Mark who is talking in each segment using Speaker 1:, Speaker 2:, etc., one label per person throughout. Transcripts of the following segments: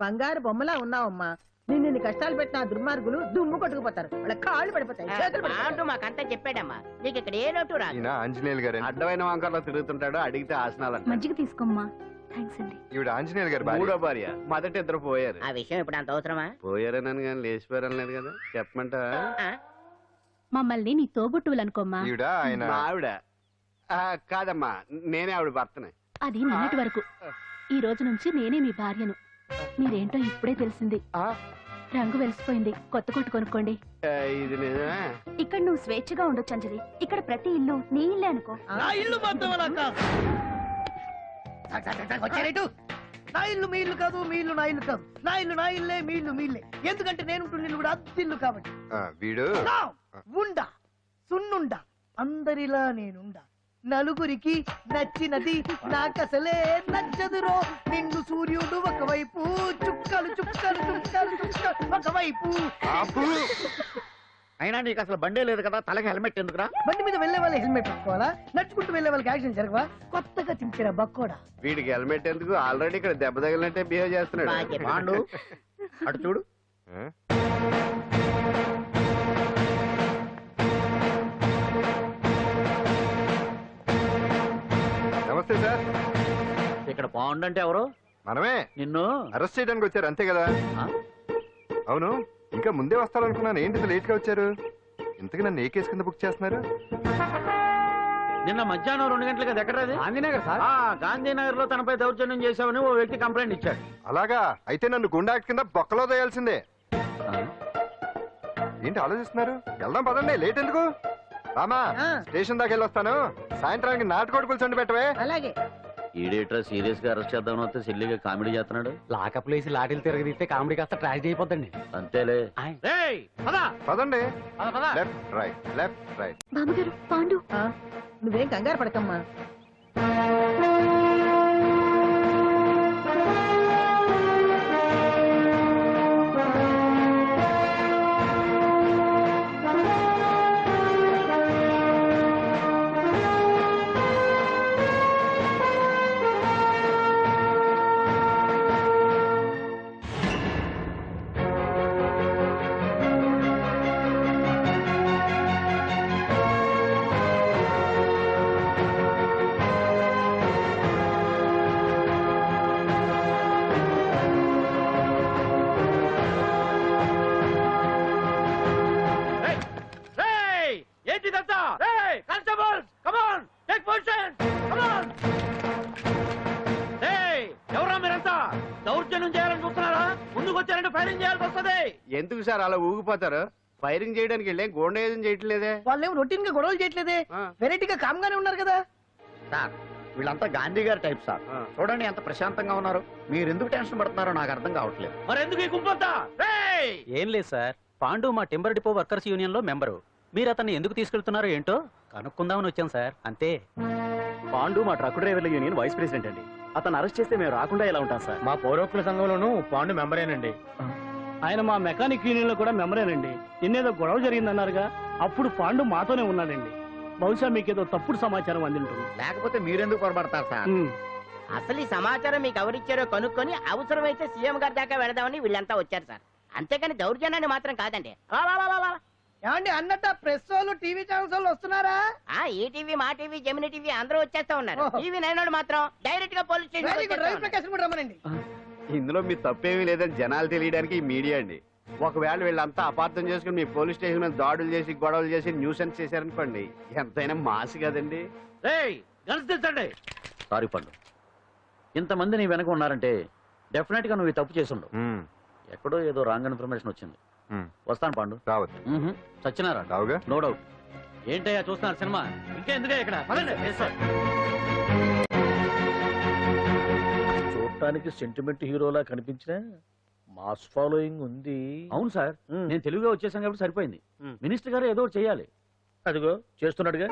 Speaker 1: బంగారు బొమ్మలా ఉన్నావమ్మా. నిన్ను కష్టాలు పెట్టిన దుర్మార్గులు దుమ్ము కొట్టుకుపోతారు, వాళ్ళ కాళ్ళు పడిపోతాయి, చేతులు పడిపోతాయి.
Speaker 2: మాకంతా చెప్పాడమ్మా, నీకు ఇక్కడ ఏ లోటు రాదు.
Speaker 3: ఆంజనేయులు గారు అడ్డమైన వంకర్లో తిరుగుతుంటాడు, అడిగితే ఆసనాలు.
Speaker 4: మజ్జిగ తీసుకోమ్మా. థ్యాంక్స్ అండి.
Speaker 3: ఈవిడ ఆంజనేయులు గారు మూడో భార్య. మొదటి ఇద్దరు పోయారు.
Speaker 2: ఆ విషయం ఇప్పుడు అంత అవసరమా?
Speaker 3: పోయారనని కానీ లేచిపోయారని లేదు కదా, చెప్పమంటా?
Speaker 4: మమ్మల్ని నీ తోబుట్టువులు అనుకోమ్మా.
Speaker 3: ఈవిడ ఆయన ఆవిడ కాదమ్మా, నేనే ఆవిడ భర్తనే.
Speaker 4: అది నిన్నటి వరకు. ఈ రోజు నుంచి నేనే మీ భార్యను. మీరేంటో ఇప్పుడే తెలిసింది. రంగు వెలిసిపోయింది, కొత్త కొట్టు కొనుక్కోండి.
Speaker 3: ఇది నిజమే.
Speaker 4: ఇక్కడ నువ్వు స్వేచ్ఛగా ఉండొచ్చు అంజలి. ఇక్కడ ప్రతి ఇల్లు నీ ఇల్లే అనుకో.
Speaker 1: నా ఇల్లు నా ఇల్లు మీ ఇల్లు కాదు, మీ ఇల్లు నా ఇల్లు కాదు. నా ఇల్లు నా ఇల్లే, మీ ఇల్లు మీ ఇల్లే. ఎందుకంటే నేను ఇల్లు కూడా అద్దిల్లు కాబట్టి.
Speaker 3: వీడు
Speaker 1: ఉండా సున్నుండా, అందరిలా నేనుండా. నలుగురికి నచ్చినది నాకసలే నచ్చదురో. నిన్ను సూర్యుడు ఒకవైపు, చుక్కలు చుక్కలు చుక్కలు చుక్కలు ఒకవైపు.
Speaker 5: అయినా నీకు అసలు బండే లేదు కదా, తలకి హెల్మెట్ ఎందుకురా?
Speaker 1: బండి మీద వెళ్లే వాళ్ళు హెల్మెట్ పెట్టుకోవాలా? నడుచుకుంటూ వెళ్లే వాళ్ళకి యాక్షన్ జరగవా? కొత్తగా తింటారా బక్కోడా?
Speaker 3: వీడికి హెల్మెట్ ఎందుకు? ఆల్రెడీ ఇక్కడ దెబ్బ తగిలినట్టే బిహేవ్ చేస్తున్నాడు.
Speaker 5: పాండు అటు చూడు.
Speaker 3: నమస్తే సార్.
Speaker 5: ఇక్కడ పాండు అంటే ఎవరు?
Speaker 3: మనమే.
Speaker 5: నిన్ను
Speaker 3: అరెస్ట్ చేయడానికి వచ్చారు అంతే కదా? అవును, ఇంకా ముందే వస్తారనుకున్నాను. ఏంటి లేట్ గా వచ్చారు? ఇంతకు నన్ను ఏ కేసు కింద బుక్ చేస్తున్నారు?
Speaker 5: నిన్న మధ్యాహ్నం 2 గంటలకు అది ఎక్కడది? గాంధీనగర్ సార్. గాంధీనగర్ లో తనపై దౌర్జన్యం చేశామని ఓ వ్యక్తి కంప్లైంట్ ఇచ్చాడు.
Speaker 3: అలాగా? అయితే నన్ను గుండా యాక్ట్ కింద బొక్కలో తోయాల్సిందే. ఏంటి ఆలోచిస్తున్నారు? వెళ్దాం పదండి, లేట్ ఎందుకు? రామా, స్టేషన్ దాకా వెళ్ళొస్తాను. సాయంత్రానికి నాటుకోడి కూర్చొని పెట్టవే.
Speaker 1: అలాగే.
Speaker 5: ఈడేట్రా సీరియస్ గా అరెస్ట్ చేద్దామని వస్తే సిల్లిగా కామెడీ చేస్తున్నాడు.
Speaker 6: లాకప్ లేసి లాఠీలు తిరగదీస్తే కామెడీ కాస్త ట్రాజడీ అయిపోద్దండి.
Speaker 5: అంతేలే.
Speaker 3: పదండి. Left right, left right.
Speaker 4: బామ్మగారు, పాండు.
Speaker 1: నువ్వేం కంగారు పడకమ్మా.
Speaker 3: ఎందుకు సార్ అలా ఊగిపోతారు? ఫైరింగ్ చేయడానికి వెళ్ళే గోండేజం చేయట్లేదే.
Speaker 1: వాళ్ళేమో రొటీన్ గా గొడవలు చేయట్లేదే, వెరైటీగా కామ్గానే ఉన్నారు కదా
Speaker 5: సార్. వీళ్ళంతా గాంధీ గారి టైప్ సార్. చూడండి ఎంత ప్రశాంతంగా ఉన్నారు. మీరు ఎందుకు టెన్షన్ పడుతున్నారో నాకు అర్థం కావట్లేదు.
Speaker 6: మరి ఎందుకు ఈ గుంపంతా? ఏం లేదు సార్, పాండు మా టింబర్ డిపో వర్కర్స్ యూనియన్ లో మెంబరు. మీరు అతన్ని ఎందుకు తీసుకెళ్తున్నారో ఏంటో కనుక్కుందామని వచ్చాం సార్, అంతే. పాండు మా ట్రక్ డ్రైవర్ల యూనియన్ వైస్ ప్రెసిడెంట్ అండి. అతను అరెస్ట్ చేస్తే మేము రాకుండా ఎలా ఉంటాం సార్? మా పౌరోక్తుల సంఘంలోనూ పాండు మెంబరేనండి. ఆయన మా మెకానిక్ యూనియన్ లో కూడా మెంబరేనండి. నిన్నేదో గొడవ జరిగిందన్నారుగా, అప్పుడు పాండు మాతోనే ఉన్నాడండి. బహుశా మీకేదో తప్పుడు సమాచారం అందింటుంది.
Speaker 5: లేకపోతే మీరెందుకు పొరపడతారు సార్?
Speaker 2: అసలు ఈ సమాచారం మీకు ఎవరిచ్చారో కనుక్కొని అవసరమైతే సీఎం గారి దాకా వెళదామని వీళ్ళంతా వచ్చారు సార్. అంతేకాని దౌర్జన్యాన్ని మాత్రం కాదండి.
Speaker 1: ఏమండి అన్నట్టు ప్రెస్ వాళ్ళు, టీవీ ఛానల్స్ వాళ్ళు వస్తున్నారా?
Speaker 2: ఈ టీవీ, మా టీవీ, జెమిని టీవీ అందరూ వచ్చేస్తా ఉన్నారు. టీవీ 9 మాత్రం డైరెక్ట్ గా పోలీస్ స్టేషన్
Speaker 1: రమ్మనండి.
Speaker 3: ఇందులో మీ తప్పేమీ లేదని జనాలు తెలియడానికి ఈ మీడియా అండి. ఒకవేళ వీళ్ళంతా అపార్థం చేసుకుని మీ పోలీస్ స్టేషన్ మీద దాడులు చేసి గొడవలు చేసి న్యూసెన్స్ చేశారనుకోండి, ఎంతైనా మాసి కదండి.
Speaker 5: సారీ పండు, ఇంతమంది నీ వెనక ఉన్నారంటే డెఫినెట్ గా నువ్వు తప్పు చేసి ఉండవు. ఎక్కడో ఏదో రాంగ్ ఇన్ఫర్మేషన్ వచ్చింది. వస్తాను పాండు.
Speaker 3: రావచ్చు.
Speaker 5: సచ్చినారా? No doubt. ఏంటయ్యా చూస్తున్నారు సినిమా? ఇంకా ఎందుకే ఇక్కడ?
Speaker 6: చూడటానికి సెంటిమెంట్ హీరోలా కనిపించిన మాస్ ఫాలోయింగ్ ఉంది.
Speaker 5: అవును సార్, నేను తెలుగుగా వచ్చేసాను కాబట్టి సరిపోయింది. మినిస్టర్ గారు ఏదో చేయాలి.
Speaker 6: అదిగో చేస్తున్నాడుగా.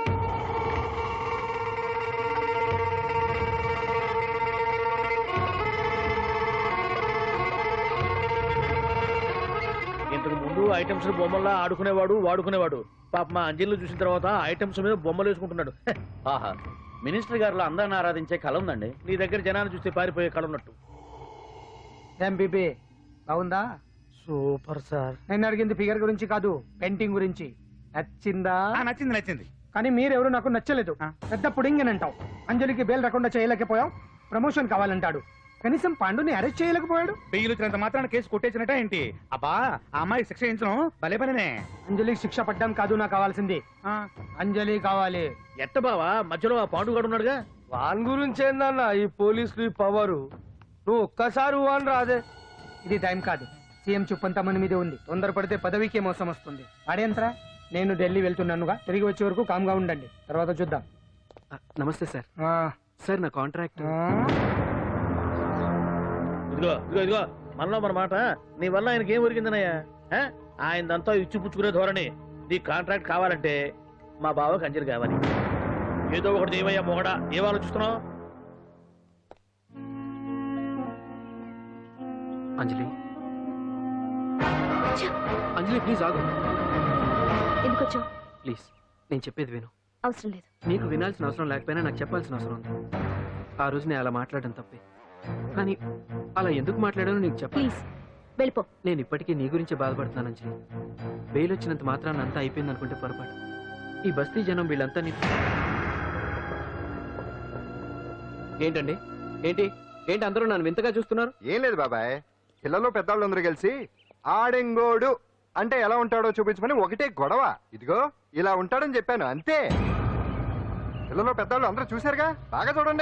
Speaker 6: ఇంతకు ముందు ఐటమ్స్ బొమ్మల్లా ఆడుకునేవాడు, వాడుకునేవాడు. పాప మా అంజలిని చూసిన తర్వాత ఐటమ్స్ మీద బొమ్మలు వేసుకుంటున్నాడు.
Speaker 5: ఆహా, మినిస్టర్ గారిలో అందరిని ఆరాధించే కళ ఉందండి.
Speaker 6: నీ దగ్గర జనాన్ని చూస్తే పారిపోయే కళ ఉన్నట్టు.
Speaker 7: ఎంబీబీ బాగుందా?
Speaker 6: Super sir.
Speaker 7: నేను అడిగింది ఫిగర్ గురించి కాదు, పెయింటింగ్ గురించి. నచ్చిందా?
Speaker 8: నచ్చింది నచ్చింది.
Speaker 7: కానీ మీరెవరు నాకు నచ్చలేదు. పెద్ద పుడింగ్ అని అంటావు, అంజలికి బెయిల్ రాకుండా చేయలేకపోయావు, ప్రమోషన్ కావాలంటాడు. కనీసం పాండుని అరెస్ట్ చేయలేకపోయాడు.
Speaker 8: బెయిల్ వచ్చినంత మాత్రాన కేసు కొట్టేసినట్ట ఏంటి? అబ్బా ఆ అమ్మాయి శిక్ష చేయించడం భలే పనినే.
Speaker 7: అంజలికి శిక్ష పడ్డం కాదు నాకు కావాల్సింది, అంజలి కావాలి.
Speaker 5: ఎట్ట బావా మధ్యలో ఆ పాండుగాడు ఉన్నాడుగా.
Speaker 7: వాన్ గురించి ఏందన్నా ఈ పోలీసులు ఈ పవరు? నువ్వు ఒక్కసారి వాన్ రాదే. ఇది టైం కాదు, సీఎం చూపంతా మన మీదే ఉంది. తొందరపడితే పదవికే మోసం వస్తుంది. ఆడేంతరా, నేను ఢిల్లీ వెళ్తున్నానుగా, తిరిగి వచ్చే వరకు కామ్గా ఉండండి, తర్వాత చూద్దాం.
Speaker 6: నమస్తే సార్. సార్ నా కాంట్రాక్ట్.
Speaker 5: ఇదిగో ఇదిగో ఇదిగో మనలో మన మాట. నీ వల్ల ఆయనకి ఏం ఒరిగిందనయ్యా? ఆయనదంతా ఇచ్చిపుచ్చుకునే ధోరణి. నీ కాంట్రాక్ట్ కావాలంటే మా బావకి అంజలి కావాలి. ఏదో ఒకటి ఏమయ్యా మొగడా, ఏం ఆలోచిస్తున్నావు?
Speaker 6: అంజలి అంజలి ప్లీజ్ ఆగు.
Speaker 4: ఎందుకు వచ్చావు?
Speaker 6: ప్లీజ్ నేను చెప్పేది విను.
Speaker 4: అవసరం లేదు.
Speaker 6: నీకు వినాల్సిన అవసరం లేకపోయినా నాకు చెప్పాల్సిన అవసరం ఉంది. ఆ రోజు నేను అలా మాట్లాడడం తప్పే, కానీ అలా ఎందుకు మాట్లాడానో నీకు చెప్ప.
Speaker 4: ప్లీజ్ వెళ్ళిపో.
Speaker 6: నేను ఇప్పటికీ నీ గురించి బాధపడుతున్నాను అంజలి. బెయిల్ వచ్చినంత మాత్రాన్ని అంతా అయిపోయింది అనుకుంటే పొరపాటు. ఈ బస్తీ జనం వీళ్ళంతా ఏంటండి? ఏంటి ఏంటి అందరూ నన్ను వింతగా చూస్తున్నారు?
Speaker 3: ఏం లేదు బాబాయ్, పిల్లలు పెద్దవాళ్ళు అందరూ కలిసి ఆడెంగోడు అంటే ఎలా ఉంటాడో చూపించమని ఒకటే గొడవ. ఇదిగో ఇలా ఉంటాడని చెప్పాను అంతే. పిల్లలు పెద్దవాళ్ళు అందరూ చూశారుగా, బాగా చూడండి.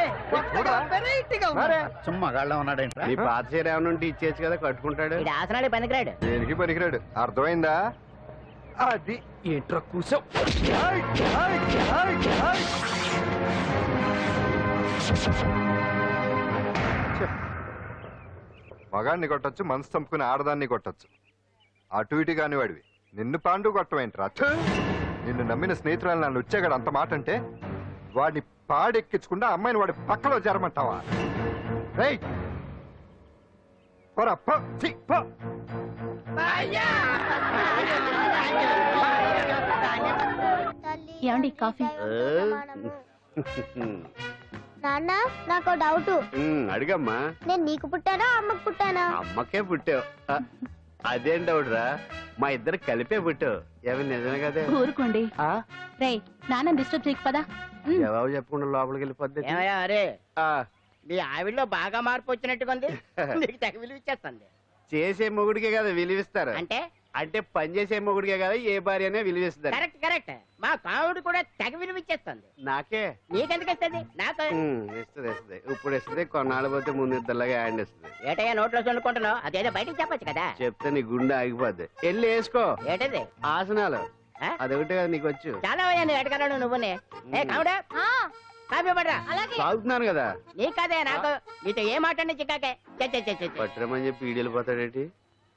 Speaker 5: సుమ్మా గాళ్ళ ఉన్నాడేంటి?
Speaker 3: నీ పాత చీర ఏమైనా ఉంటే ఇచ్చేచ్చు కదా, కట్టుకుంటాడు.
Speaker 2: ఇది ఆసనాలు పనికిరాడు.
Speaker 3: దేనికి పనికిరాడు, అర్థమైందా? అది
Speaker 6: ఏంట్రా కూసావ్?
Speaker 3: మగాన్ని కొట్టచ్చు, మనసు చంపుకుని ఆడదాన్ని కొట్టచ్చు. అటు ఇటు కాని వాడివి నిన్ను పాండు కొట్టమేంట్రా? నిన్ను నమ్మిన స్నేహితురాలు నన్ను వచ్చాగాడు అంత మాట అంటే వాడిని పాడెక్కించకుండా అమ్మాయిని వాడి పక్కలో జరమంటావా? రేయ్ పోరా, పో, ఛీ, పో.
Speaker 4: ఏమండి కాఫీ?
Speaker 9: నాన్న నాకు డౌట్.
Speaker 3: అడిగమ్మా.
Speaker 9: నేను నీకు పుట్టానా అమ్మకు పుట్టానా?
Speaker 3: అమ్మకే పుట్టావు. అదేం డౌట్ రా, మా ఇద్దరు కలిపే పుట్టావు. ఏమి నిజమే కదే?
Speaker 4: ఊరుకోండి. రే నాన్న డిస్టర్బ్ చేయకు పదా.
Speaker 3: జవాబు చెప్పకుండా లోపలికి వెళ్ళిపోద్ది.
Speaker 2: ఏమయ్యా అరే, మీ ఆవిడలో బాగా మార్పు వచ్చినట్టుగా ఉంది. నీకు తెగ విలువ ఇచ్చేస్తుంది.
Speaker 3: చేసే మొగుడికే కదా విలువిస్తారు.
Speaker 2: అంటే
Speaker 3: అంటే పని చేసే మొగుడికే కదా ఏ భార్యనే విలువిస్తారు.
Speaker 2: Correct correct. మా కావుడు కూడా తెగ విలువ ఇచ్చేస్తుంది.
Speaker 3: నాకే
Speaker 2: నీకెందుకు ఇస్తుంది? నాకు
Speaker 3: ఇస్తుంది ఇస్తుంది. ఇప్పుడు ఇస్తుంది, కొన్నాళ్ళు పోతే ముందు ఇద్దరులాగా హ్యాండ్ ఇస్తుంది.
Speaker 2: ఏటయ్యా నోట్లో చల్లుకుంటున్నావు? అదేదో బయటికి చెప్పొచ్చు కదా.
Speaker 3: చెప్తే నీ గుండె ఆగిపోద్ది. వెళ్ళి వేసుకో.
Speaker 2: ఏటది?
Speaker 3: ఆసనాలు. అదొకటి కదా నీకు వచ్చు.
Speaker 2: చాలా అయ్యా నువ్వు ఎడగలను నువ్వునే. ఏ కావుడా కాఫీ పడరా.
Speaker 3: తాగుతున్నాను కదా.
Speaker 2: నీ కదే నాకు. నీతో ఏ మాట చిక్కాకే.
Speaker 3: పట్టరమని చెప్పి ఈడెళ్ళిపోతాడేంటి?